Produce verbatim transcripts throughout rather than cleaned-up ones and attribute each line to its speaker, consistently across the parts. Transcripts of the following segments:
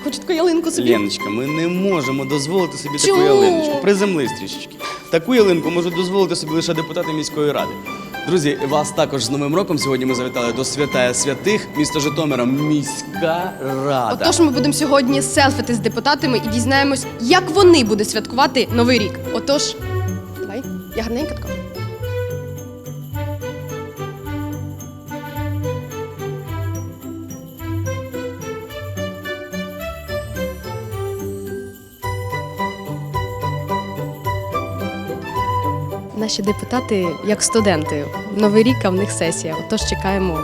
Speaker 1: хочу таку ялинку собі.
Speaker 2: Леночка, ми не можемо дозволити собі
Speaker 1: Чому?
Speaker 2: таку ялиночку. Приземлись трішечки. Таку ялинку можуть дозволити собі лише депутати міської ради. Друзі, вас також з Новим роком. Сьогодні ми завітали до Святая Святих, міста Житомира, міська рада.
Speaker 1: Отож, ми будемо сьогодні селфити з депутатами і дізнаємось, як вони будуть святкувати Новий рік. Отож, давай, я гарненька така. Наші депутати як студенти. Новий рік, а в них сесія. Отож, чекаємо.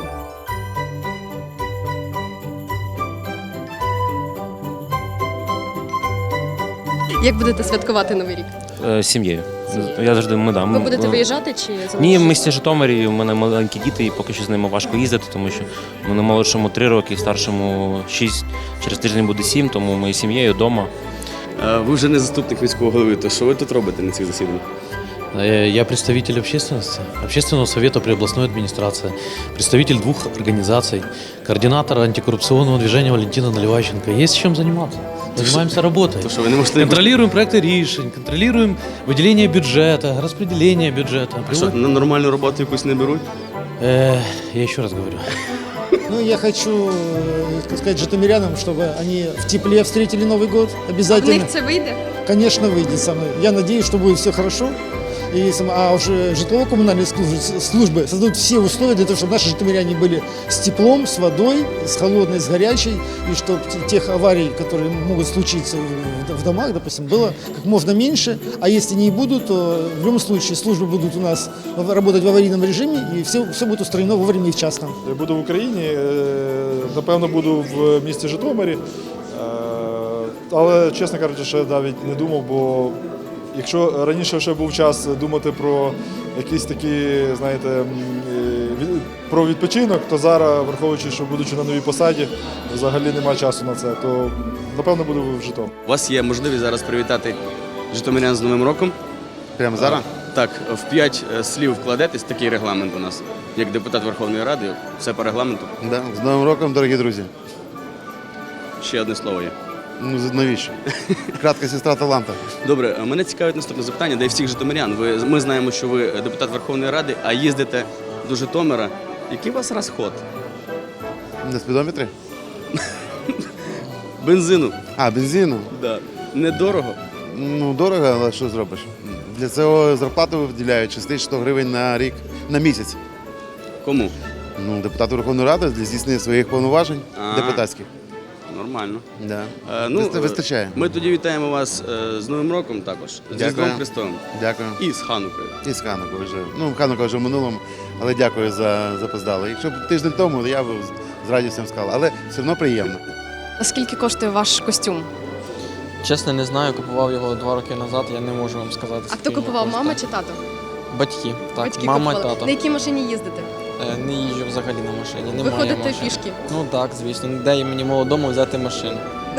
Speaker 1: Як будете святкувати Новий рік?
Speaker 3: З сім'єю. Я завжди ми да.
Speaker 1: Ви будете виїжджати чи
Speaker 3: Ні, в місті Житомирі. У мене маленькі діти, і поки що з ними важко їздити, тому що в мене молодшому три роки, старшому шість. Через тиждень буде сім, тому ми з сім'єю вдома.
Speaker 2: Ви вже не заступник міського голови, то що ви тут робите на цих засіданнях?
Speaker 4: Я представитель общественности, Общественного совета при областной администрации, представитель двух организаций, координатор антикоррупционного движения Валентина Наливайченко. Есть чем заниматься. Занимаемся работой.
Speaker 2: То, що ви не можете...
Speaker 4: Контролируем проекты решений, контролируем выделение бюджета, распределение бюджета.
Speaker 2: А що, на нормальну роботу якусь не беруть?
Speaker 4: Э, я еще раз говорю.
Speaker 5: Ну, я хочу э, сказать житомирянам, чтобы они в тепле встретили Новый год.
Speaker 1: в
Speaker 5: Обязательно.
Speaker 1: них це вийде?
Speaker 5: Конечно, выйдет со мной. Я надеюсь, что будет все хорошо. И, сам- а уже житлово-коммунальные службы, службы создадут все условия для того, чтобы наши житомиряне были с теплом, с водой, с холодной, с горячей, и чтобы тех аварий, которые могут случиться в- в домах, допустим, было как можно меньше. А если не будут, то в любом случае службы будут у нас в- работать в аварийном режиме, и все, все будет устроено вовремя и вчасно.
Speaker 6: Я буду в Україні, е, напевно, буду в місті Житомирі, е, але, чесно кажучи, ще навіть не думав, бо якщо раніше ще був час думати про якісь такі, знаєте, м, е, від- про відпочинок, то зараз, враховуючи, що будучи на новій посаді, взагалі немає часу на це, то, напевно, буду в Житомирі.
Speaker 2: У вас є можливість зараз привітати житомирян з Новим роком.
Speaker 7: Прямо зараз?
Speaker 2: Так, в п'ять е, слів вкладетесь, такий регламент у нас. Як депутат Верховної Ради, все по регламенту.
Speaker 7: Да. З Новим роком, дорогі друзі.
Speaker 2: Ще одне слово є.
Speaker 7: Ну, з- навіщо? Кратка сестра таланта.
Speaker 2: Добре, а мене цікавить наступне запитання, де й всіх житомирян. Ви, ми знаємо, що ви депутат Верховної Ради, а їздите до Житомира. Який у вас розход?
Speaker 7: На спідометрі?
Speaker 2: Бензину?
Speaker 7: А, бензину?
Speaker 2: Да. Недорого?
Speaker 7: Ну, дорого, але що зробиш? Для цього зарплату виділяють шість тисяч сто гривень на рік, на місяць.
Speaker 2: Кому?
Speaker 7: Ну, депутату Верховної Ради для здійснення своїх повноважень
Speaker 2: А.
Speaker 7: депутатських.
Speaker 2: Нормально.
Speaker 7: Да.
Speaker 2: Е, ну,
Speaker 7: Виста- Вистачає.
Speaker 2: Ми тоді вітаємо вас е, з Новим роком також, з
Speaker 7: Дякую.
Speaker 2: Різдвом Христовим
Speaker 7: Дякую.
Speaker 2: і з Ханукою.
Speaker 7: І з Ханукою вже. Ну, Ханука вже в минулому, але дякую за запоздали. Якщо б тиждень тому, я б з- з радістю сказав, але все одно приємно.
Speaker 1: А скільки коштує ваш костюм?
Speaker 8: Чесно, не знаю, купував його два роки назад, я не можу вам сказати.
Speaker 1: А
Speaker 8: скільки
Speaker 1: хто
Speaker 8: він
Speaker 1: купував,
Speaker 8: коштує.
Speaker 1: мама чи тато?
Speaker 8: Батьки, так,
Speaker 1: Батьки
Speaker 8: мама і
Speaker 1: купували.
Speaker 8: тато.
Speaker 1: На якій машині їздите?
Speaker 8: Е, Не їжджу взагалі на машині,
Speaker 1: Ви
Speaker 8: немає
Speaker 1: ходите
Speaker 8: машини.
Speaker 1: пішки?
Speaker 8: Ну так, звісно. Де мені молодому взяти машину?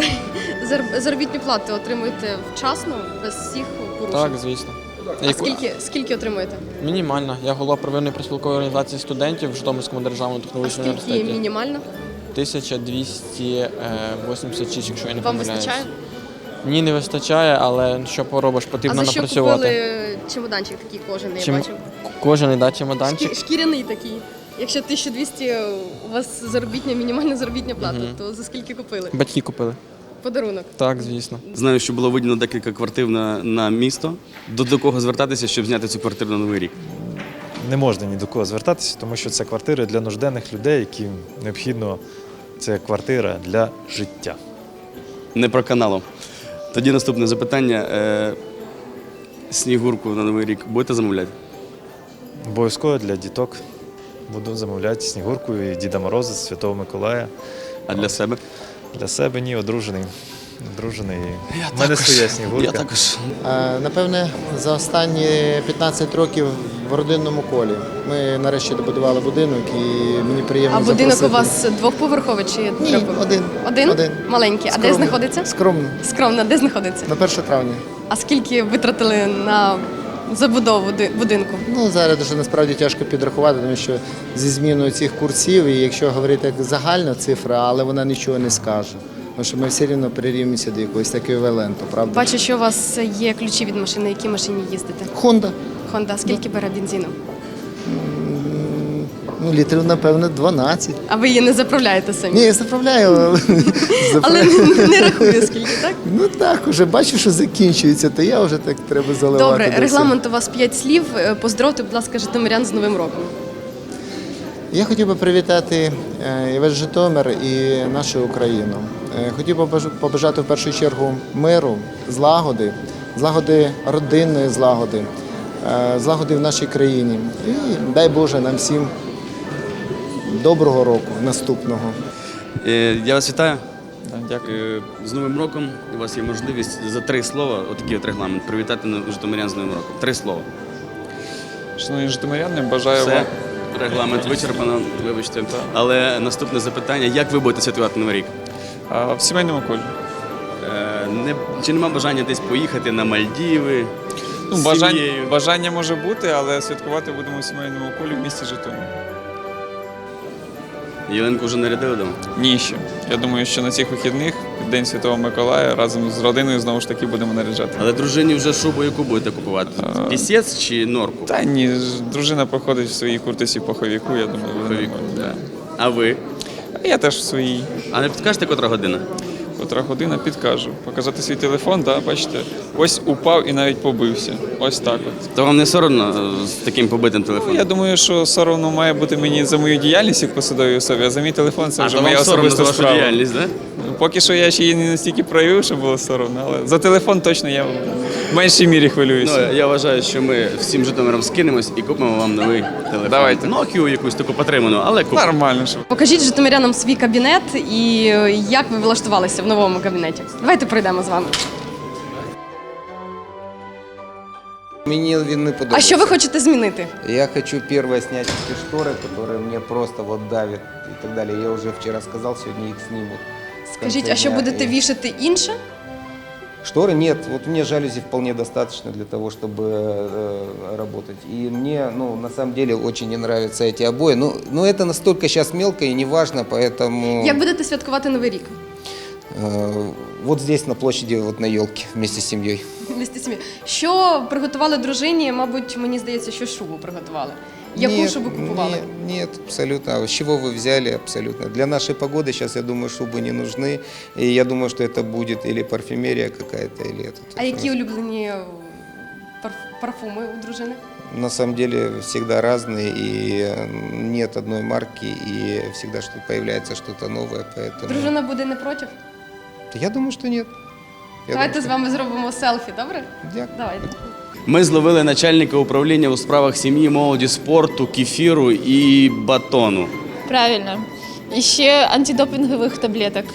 Speaker 1: Зар- Заробітну плату отримуєте вчасно, без всіх порушень?
Speaker 8: Так, звісно.
Speaker 1: А
Speaker 8: Яку-
Speaker 1: скільки, скільки отримуєте?
Speaker 8: Мінімально. Я голова первинної профспілкової організації студентів в Житомирському державному
Speaker 1: А
Speaker 8: технологічному
Speaker 1: скільки
Speaker 8: університеті.
Speaker 1: мінімально?
Speaker 8: тисяча двісті вісімдесят шість, якщо я не
Speaker 1: Вам
Speaker 8: помиляюсь.
Speaker 1: вистачає?
Speaker 8: Ні, не вистачає, але що поробиш,
Speaker 1: А
Speaker 8: потрібно
Speaker 1: за що
Speaker 8: напрацювати.
Speaker 1: купили чемоданчик такий кожаний,
Speaker 8: Чим-
Speaker 1: я бачу?
Speaker 8: Кожен да, чемоданчик.
Speaker 1: Шкі- Шкіряний такий. Якщо тисяча двісті у вас заробітня, мінімальна заробітня плата,
Speaker 8: Мгм.
Speaker 1: то за скільки купили?
Speaker 8: Батьки купили.
Speaker 1: Подарунок.
Speaker 8: Так, звісно.
Speaker 2: Знаю, що було виділено декілька квартир на, на місто. До, до кого звертатися, щоб зняти цю квартиру на Новий рік?
Speaker 9: Не можна ні до кого звертатися, тому що це квартири для нужденних людей, яким необхідно, це квартира для життя.
Speaker 2: Не про каналом. Тоді наступне запитання. Е, снігурку на Новий рік будете замовляти?
Speaker 9: Обов'язково для діток буду замовляти Снігурку і Діда Мороза, Святого Миколая.
Speaker 2: А для себе?
Speaker 9: Для себе ні, одружений. Одружений. У мене своя Снігурка.
Speaker 2: Я також.
Speaker 10: Е, Напевне, за останні п'ятнадцять років в родинному колі. Ми нарешті добудували будинок і мені приємно
Speaker 1: А будинок у
Speaker 10: запросити.
Speaker 1: вас двохповерховий чи
Speaker 10: Ні,
Speaker 1: трьохповерховий?
Speaker 10: один.
Speaker 1: Один?
Speaker 10: Один.
Speaker 1: Маленький. А де
Speaker 10: Скромний.
Speaker 1: знаходиться?
Speaker 10: Скромно.
Speaker 1: Скромно, де знаходиться?
Speaker 10: На перше травня.
Speaker 1: А скільки витратили на забудову ди- будинку?
Speaker 10: Ну, зараз дуже насправді тяжко підрахувати, тому що зі зміною цих курсів, і якщо говорити як загальна цифра, але вона нічого не скаже. тому що ми все рівно прирівнюємося до якогось еквіваленту, правда?
Speaker 1: Бачу, що у вас є ключі від машини, на якій машині їздите.
Speaker 10: Honda.
Speaker 1: Honda, скільки бере бензину?
Speaker 10: Ну, літрів, напевно, дванадцять.
Speaker 1: А ви її не заправляєте самі?
Speaker 10: Ні, я заправляю.
Speaker 1: Але
Speaker 10: заправляю.
Speaker 1: не, не рахую, скільки, так?
Speaker 10: Ну так, вже бачу, що закінчується, то я вже так треба заливати.
Speaker 1: Добре,
Speaker 10: до всього.
Speaker 1: регламент у вас п'ять слів. Е, Поздоровте, будь ласка, житомирян з Новим роком.
Speaker 10: Я хотів би привітати е, і весь Житомир і нашу Україну. Е, Хотів би побаж- побажати в першу чергу миру, злагоди, злагоди родинної злагоди, е, злагоди в нашій країні. І дай Боже нам всім доброго року наступного.
Speaker 2: Е, Я вас вітаю.
Speaker 8: Так, дякую.
Speaker 2: Е, З Новим роком у вас є можливість за три слова, отакий от регламент, привітати на- житомирян з Новим роком. Три слова.
Speaker 8: Шановні житомиряни, бажаю
Speaker 2: Все,
Speaker 8: вам.
Speaker 2: регламент вичерпано, вибачте. Але наступне запитання: як ви будете святкувати Новий рік?
Speaker 8: А, в сімейному колі.
Speaker 2: Е, Не, чи нема бажання десь поїхати на Мальдіви?
Speaker 8: Ну,
Speaker 2: з
Speaker 8: бажання,
Speaker 2: сім'єю?
Speaker 8: бажання може бути, але святкувати будемо в сімейному колі в місті Житомир.
Speaker 2: Ялинку вже нарядили дома?
Speaker 8: Ні, ще. Я думаю, що на цих вихідних, під День Святого Миколая, разом з родиною знову ж таки будемо наряджати.
Speaker 2: Але дружині вже шубу яку будете купувати? Пісець чи норку?
Speaker 8: Та ні, ж- дружина походить в своїй куртці поховіку, я думаю, буде
Speaker 2: Пуховіку,
Speaker 8: нормально.
Speaker 2: А ви?
Speaker 8: А я теж в своїй.
Speaker 2: А не підкажете, котра година?
Speaker 8: Котра година підкажу. Показати свій телефон, да, бачите, ось упав і навіть побився. Ось так от.
Speaker 2: То вам не соромно е, з таким побитим
Speaker 8: Ну,
Speaker 2: телефоном?
Speaker 8: я думаю, що соромно має бути мені за мою діяльність як посадовій особі, а за мій телефон це
Speaker 2: а
Speaker 8: вже
Speaker 2: то
Speaker 8: моя
Speaker 2: вам соромно за
Speaker 8: особиста
Speaker 2: вашу
Speaker 8: справа.
Speaker 2: діяльність, так?
Speaker 8: Ну, Поки що я ще її не настільки проявив, щоб було соромно, але за телефон точно я в меншій мірі хвилююся.
Speaker 2: Ну, я вважаю, що ми всім Житомиром скинемось і купимо вам новий телефон.
Speaker 8: Давайте.
Speaker 2: Nokia якусь таку потриману, але купимо.
Speaker 8: Нормально, що.
Speaker 1: Покажіть житомирянам свій кабінет і е, як ви влаштувалися в новому кабінеті. Давайте пройдемо з вами.
Speaker 11: Мені він не подобається.
Speaker 1: А що ви хочете змінити?
Speaker 11: Я хочу первое снять эти шторы, которые мне просто вот давят и так далее. Я уже вчера сказал, сегодня их снимут. в конце
Speaker 1: Скажіть, а що
Speaker 11: дня.
Speaker 1: будете
Speaker 11: И-
Speaker 1: вішати інше?
Speaker 11: Шторы нет, вот мне жалюзи вполне достаточно для того, чтобы э, работать. И мне, ну, на самом деле очень не нравятся эти обои. Ну, но это настолько сейчас мелко и неважно, поэтому...
Speaker 1: Як будете святкувати Новий рік?
Speaker 11: э, вот здесь на площади, вот на елке вместе с семьей.
Speaker 1: Вместе з сім'єю. Що приготували дружині? Мабуть, мені здається, що шубу приготували. Яку
Speaker 11: Нет,
Speaker 1: шубу купували?
Speaker 11: Нет, нет, абсолютно. А с чего вы взяли? Абсолютно. Для нашей погоды сейчас, я думаю, шубы не нужны. И я думаю, что это будет или парфюмерия какая-то, или это.
Speaker 1: А які улюблені е, парф- парфуми у дружини?
Speaker 11: На самом деле всегда разные, и э, нет одной марки, и всегда что появляется что-то новое, поэтому...
Speaker 1: Дружина буде не проти?
Speaker 11: Я думаю, что нет. Я
Speaker 1: Давайте
Speaker 11: думаю,
Speaker 1: з вами зробимо селфі, добре?
Speaker 11: что- Дякую.
Speaker 1: Давайте.
Speaker 2: Ми зловили начальника управління у справах сім'ї, молоді, спорту, кефіру і батону.
Speaker 12: Правильно. І ще антидопінгових таблеток.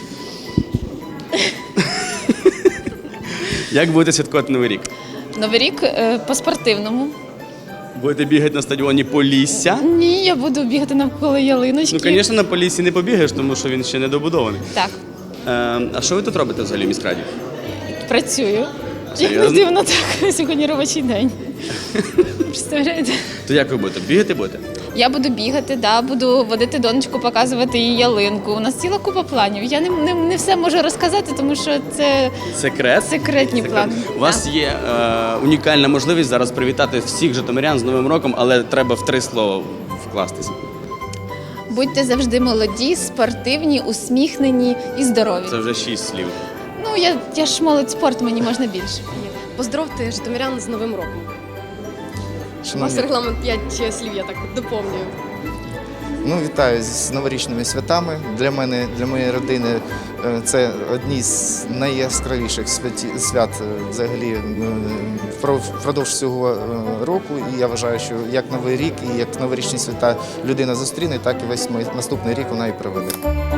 Speaker 2: Як будете святкувати Новий рік?
Speaker 12: Новий рік е, по-спортивному.
Speaker 2: Будете бігати на стадіоні Полісся?
Speaker 12: Ні, я буду бігати навколо ялиночки.
Speaker 2: Ну, звісно, на Поліссі не побігаєш, тому що він ще не добудований.
Speaker 12: Так,
Speaker 2: Е, а що ви тут робите взагалі в міськраді?
Speaker 12: працюю. Як не
Speaker 2: Серйозно?
Speaker 12: дивно, так. Сьогодні робочий день. Представляєте?
Speaker 2: То як ви будете? Бігати будете?
Speaker 12: Я буду бігати, да, буду водити донечку, показувати їй ялинку. У нас ціла купа планів. Я не, не, не все можу розказати, тому що це
Speaker 2: Секрет?
Speaker 12: секретні
Speaker 2: Секрет.
Speaker 12: плани.
Speaker 2: У вас є е, унікальна можливість зараз привітати всіх житомирян з Новим роком, але треба в три слова вкластися.
Speaker 12: Будьте завжди молоді, спортивні, усміхнені і здорові.
Speaker 2: Це вже шість слів.
Speaker 12: Ну, я, я ж молодь спорт, мені можна більше.
Speaker 1: Поздоровте житомирян з Новим роком. У вас
Speaker 10: Шановні,
Speaker 1: регламент п'ять слів, я так доповнюю.
Speaker 10: ну, вітаю з новорічними святами. Для мене, для моєї родини е, це одні з найяскравіших святі- свят е, взагалі е, впро- впродовж цього е, року. І я вважаю, що як Новий рік і як новорічні свята людина зустріне, так і весь май- наступний рік вона і проведе.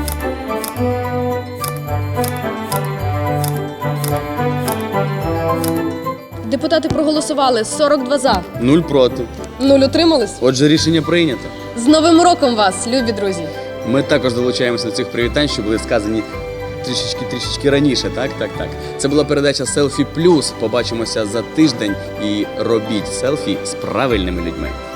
Speaker 1: Депутати проголосували сорок два за,
Speaker 2: Нуль проти.
Speaker 1: нуль утримались.
Speaker 2: Отже, рішення прийнято.
Speaker 1: З Новим роком вас, любі друзі!
Speaker 2: Ми також долучаємося до цих привітань, що були сказані трішечки трішечки раніше. Так, так, так. Це була передача Селфі Плюс. Побачимося за тиждень і робіть селфі з правильними людьми.